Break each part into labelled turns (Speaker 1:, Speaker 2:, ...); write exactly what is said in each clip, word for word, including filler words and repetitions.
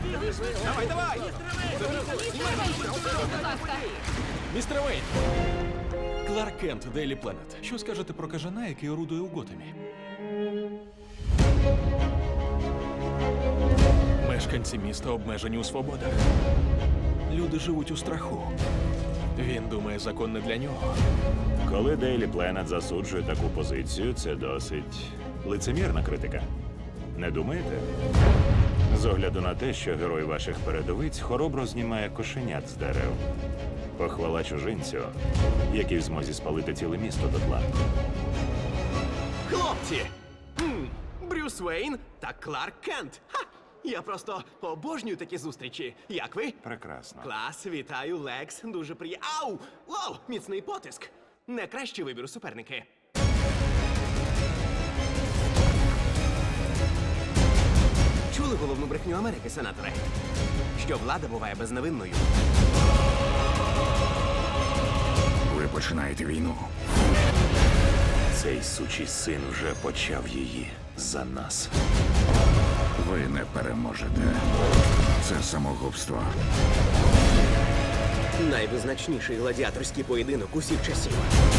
Speaker 1: Давай, давай!
Speaker 2: Містер Вейн! Кларк Кент, Дейлі Пленет. Що скажете про кажана, який орудує у Готемі? Мешканці міста обмежені у свободах. Люди живуть у страху. Він думає, закон не для нього.
Speaker 3: Коли Daily Planet засуджує таку позицію, це досить лицемірна критика. Не думаєте? З огляду на те, що герой ваших передовиць хоробро знімає кошенят з дерев. Похвала чужинцю, який в змозі спалити ціле місто дотла.
Speaker 1: Хлопці! Хм, Брюс Вейн та Кларк Кент. Ха! Я просто обожнюю такі зустрічі. Як ви?
Speaker 3: Прекрасно.
Speaker 1: Клас, вітаю, Лекс. Дуже приємно. Ау! Вау! Міцний потиск. Не кращий вибір у суперники. Чули головну брехню Америки, сенатори? Що влада буває безневинною.
Speaker 4: Ви починаєте війну.
Speaker 3: Цей сучий син вже почав її за нас.
Speaker 4: Ви не переможете. Це самогубство.
Speaker 1: Найвизначніший гладіаторський поєдинок усіх часів.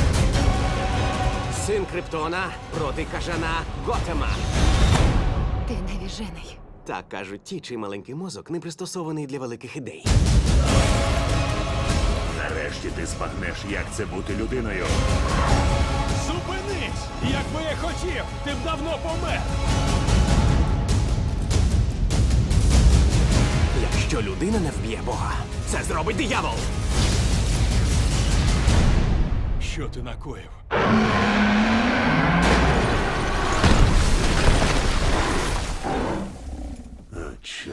Speaker 1: Син Криптона проти кажана Готема.
Speaker 5: Ти невіжений.
Speaker 1: Так кажуть ті, чий маленький мозок не пристосований для великих ідей.
Speaker 3: Нарешті ти збагнеш, як це бути людиною.
Speaker 2: Зупинись! Якби я хотів, ти б давно помер!
Speaker 1: Якщо людина не вб'є Бога, це зробить диявол.
Speaker 2: Що ти накоїв?
Speaker 3: Чорт.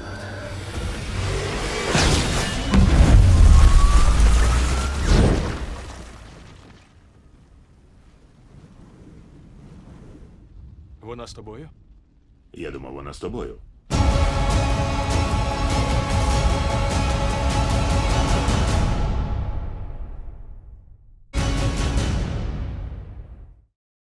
Speaker 2: Вона з тобою?
Speaker 3: Я думав, вона з тобою.